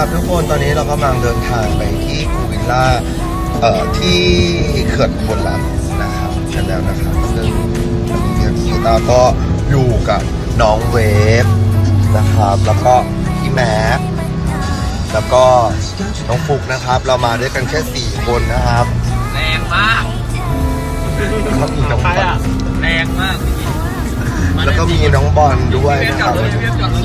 ครับทุกคนตอนนี้เรากำลังเดินทางไปที่ภูวิลล่าที่เขื่อนอุบลรัตน์นะครับกันแล้วนะครับซึ่งพี่ตาก็อยู่กับน้องเวฟนะครับแล้วก็พี่แม็กแล้วก็น้องฟุกนะครับเรามาด้วยกันแค่4คนนะครับแรงมากแล้วก็มีน้องบอลแรงมากแล้วก็มีน้องบอลด้วยนะครับลง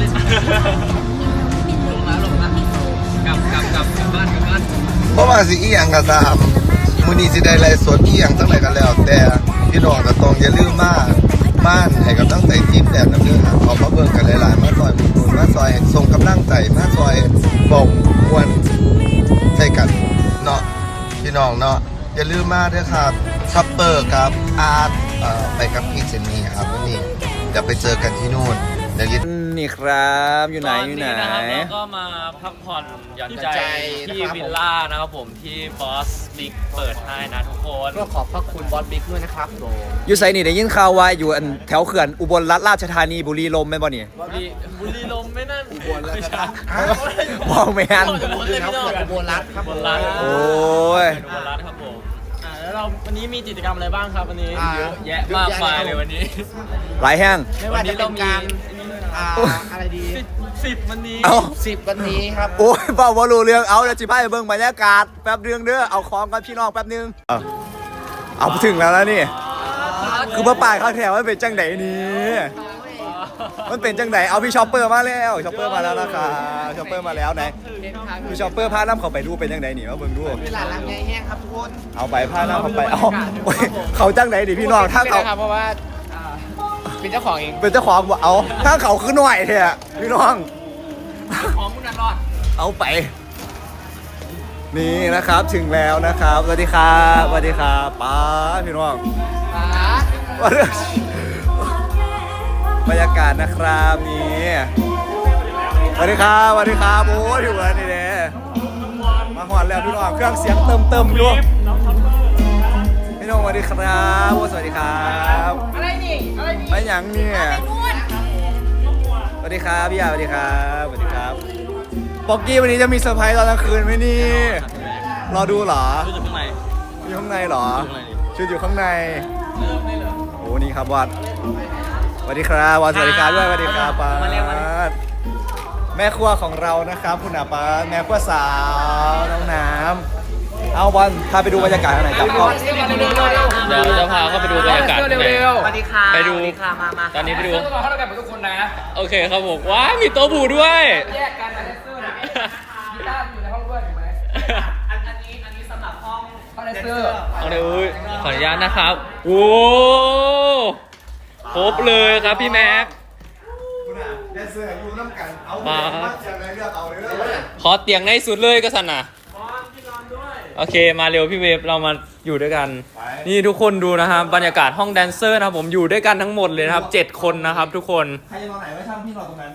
มากลับบ้านเพราะว่าสิอีหยังกระซามมื้อนี้สิได้ไลฟ์สดอีหยังทั้งหลายกันแล้วแต่พี่น้องก็ต้องอย่าลืมมาบ้านให้กับตั้งใจทีมแต่น้ำเด้อครับเอามาเบิ่งกันหลายๆมาซอยมุนมาซอยส่งกำลังใจมาซอยบอกมวนใส่กันเนาะพี่น้องเนาะอย่าลืมมาด้วยครับซัปเปอร์กับอาร์ตไปกับพี่เจนนี่ครับวันนี้จะไปเจอกันที่นู่นเดี๋ยวนี่ครับอยู่ไหนเราก็มาพักผ่อนหย่อนใจที่วิลล่านะครับผมที่บอสบิ๊กเปิดให้นะทุกคนก็ขอบพระคุณบอสบิ๊กด้วยนะครับผมอยู่ไซนี่ได้ยินข่าวว่าอยู่แถวเขื่อนอุบลราชธานีบุรีลมย์แม่นบ่นี่บุรีลมย์ไม่นั่นอุบลราชธานีมองไม่ทันอุบลรัตน์ครับอุบลรัตน์โอ้ยอุบลรัตน์ครับผมแล้วเราวันนี้มีกิจกรรมอะไรบ้างครับวันนี้เยอะแยะมากมายเลยวันนี้หลายแห้งวันนี้เรามีอะไรดี 10วันนี้ 10วันนี้ครับโอ้ยเปล่าว่ารู้เรื่องเอาเดี๋ยวจิพายเบิ่งบรรยากาศแป๊บเรื่องเด้อเอาของกับพี่น้องแป๊บนึงเอาถึงแล้วนี่คือป้าป่ายเขาแถวมันเป็นจังไหนนี่มันเป็นจังไหนเอาพี่ชอปเปอร์มาแล้วชอปเปอร์มาแล้วนะครับชอปเปอร์มาแล้วไหนพี่ชอปเปอร์พาน้ำเขาไปดูเป็นจังไหนนี่มาเบิ่งดูเป็นหลานรักแห้งครับทุกคนเอาไปพาน้ำเขาไปเอาเขาจังไหนดิพี่น้องถ้าเขาเพราะว่าเป็นเจ้าของเองเป็นเจ้าของเอาถ้าเขาขึ้นหน่อยเถอะพี่น้องของมุนันรอดเอาไปนี่นะครับถึงแล้วนะครับสวัสดีครับสวัสดีครับป้าพี่น้องบรรยากาศนะครับนี่สวัสดีครับสวัสดีครับโอ้ยอยู่แล้วนี่เด้มาหอดแล้วพี่น้องเครื่องเสียงเติมอยู่พี่น้องสวัสดีครับสวัสดีครับอะไรนี่ไม่หยังเนี่ยสวัสดีครับพี่ยาสวัสดีครับสวัสดีครับป๊อกกี้วันนี้จะมีเซอร์ไพรส์ตอนกลางคืนไหมนี่รอดูเหรออยู่ข้างในอยู่ข้างในเหรอชุดอยู่ข้างในโอ้นี่ครับวัดสวัสดีครับวัดสวัสดีครับด้วยสวัสดีครับป้าแม่ครัวของเรานะครับคุณอาป้าแม่ครัวสาวน้องน้ำเอาวันพาไปดูบรรยากาศข้างในครับเดี๋ยวจะพาเข้าไปดูบรรยากาศข้างในสวัสดีค่ะไปดูมาตอนนี้ไปดูเข้าด้วยกันทุกคนนะโอเคครับผมว้ามีโต๊ะบูด้วยแยกกันแต่เลเซอร์นะกีตาร์อยู่ในห้องด้วยถูกไหมอันนี้สำหรับห้องเลเซอร์เอาเลยอุ้ยขออนุญาตนะครับโอ้ครบเลยครับพี่แม็กมาขอเตียงในสุดเลยก็สันนะโอเคมาเร็วพี่เวฟเรามาอยู่ด้วยกันนี่ทุกคนดูนะครับบรรยากาศห้องแดนเซอร์นะครับผมอยู่ด้วยกันทั้งหมดเลยนะครับ7คนนะครับทุกคนใครจะนอนไหนไว้ช่างพี่นอนตรงนั้น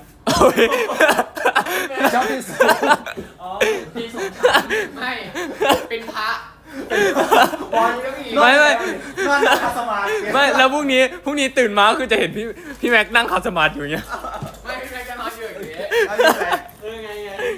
ชอบที่สุดที่สุดไม่เป็นพระไม่ไม่แล้วพรุ่งนี้ตื่นมาคือจะเห็นพี่แม็กนั่งขับสมาธิอยู่เงี้ยไม่พี่แม็กจะนอนอยู่อย่างเงี้ยไง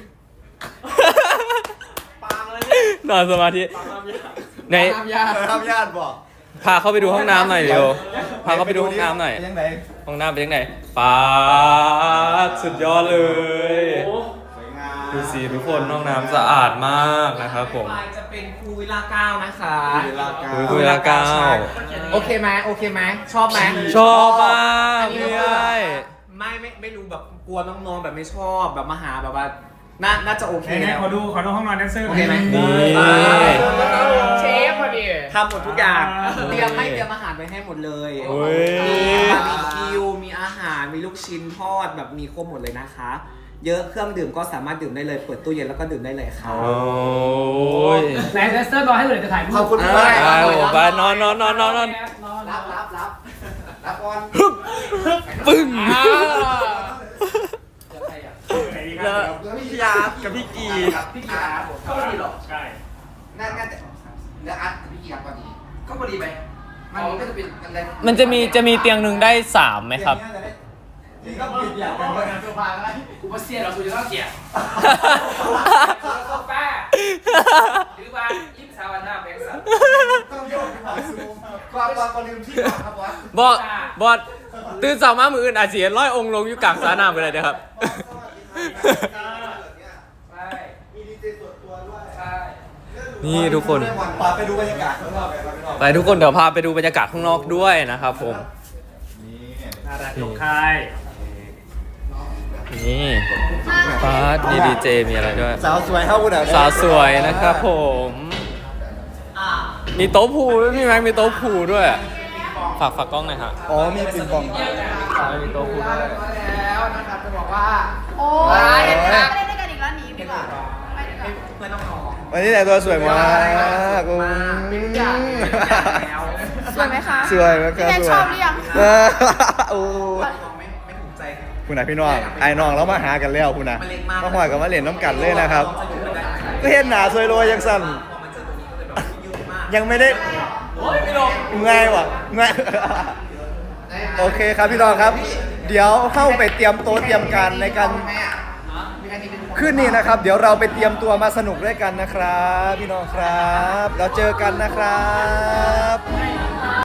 นอนสมาธิในทำญาติบอกพาเข้าไปดูห้องน้ำหน่อยเร็วพาเข้าไปดูห้องน้ำหน่อยห้องน้ำเป็นยังไงป๊าสุดยอดเลยดูสิทุกคนห้องน้ำสะอาดมากนะครับผมจะเป็นภูวิลล่า9นะคะภูวิลล่า9 โอเคไหมชอบไหมชอบมากไม่รู้แบบกลัวน้องๆแบบไม่ชอบแบบมาหาแบบว่าน่าจะโอเคขอดูห้องนอนแดนเซอร์โอเคไหมเชฟพอดีทำหมดทุกอย่างเตรียมอาหารไปให้หมดเลยมีบาร์บีคิวมีอาหารมีลูกชิ้นทอดแบบมีครบหมดเลยนะคะเยอะเครื่องดื่มก็สามารถดื่มได้เลยเปิดตู้เย็นแล้วก็ดื่มได้เลยค่ะโอ้ยแดนเซอร์รอให้เลยจะถ่ายรูปขอบคุณมากไปนอนรับก่อนปึ้งพี่ยากับพี่กีก็พอดีหรอใช่น่าจะแล้วอัดพี่กีพอดีก็พอดีไปมันก็จะเป็นอะไรมันจะมีเตียงหนึ่งได้3ไหมครับนี่ก็ปิดอย่างกันเลยโซฟาอะไรว่าเสียเราสูจะต้องเสียแป้หรือว่ายิ้มสาวหน้าแบงค์สันกว่าลืมที่ครับวัดบอสตื่นสาวมามืออื่นอาจจะเห็นร้อยองค์ลงอยู่กลางสระน้ำกันเลยนะครับใช่มีดีเจส่วนตัวด้วยใช่นี่ทุกคนไปดูบรรยากาศข้างนอกกันครับพี่น้องไปทุกคนเดี๋ยวพาไปดูบรรยากาศข้างนอกด้วยนะครับผมน่ารักของค่ายนี่ฟาสมีดีเจมีอะไรด้วยสาวสวยเท่าคุณอ่ะสาวสวยนะครับผม มีโต๊ะพูด้วยพี่แม็กมีโต๊ะพูด้วย ฝากกล้องหน่อยฮะอ๋อมีปิงปองมีโต๊ะพูด้วยแล้วนะครับจะบอกว่าโอ้ยเห็นไหมไม่ได้ด้วยกันอีกแล้วหนีดีกว่าไปดีกว่าเพื่อนน้องวันนี้แต่งตัวสวยมากอืมแล้วสวยไหมคะสวยมากพี่แนนชอบหรือยังโอ้ไม่ถูกใจคุณนะพี่น้องไอ้น้องแล้วมาหากันแล้วคุณนะมาหอยกับมาเล่นน้ำกันเลยนะครับ ก็เห็นหนาสวยโรยยังสั่นยังไม่ได้ง่ายว่ะง่ายโอเคครับพี่น้องครับ เดี๋ยวเข้าไปเตรียมโต๊ะเตรียมการในการขึ้นนี่นะครับ เดี๋ยวเราไปเตรียมตัวมาสนุกด้วยกันนะครับ พี่น้องครับ เราเจอกันนะครับ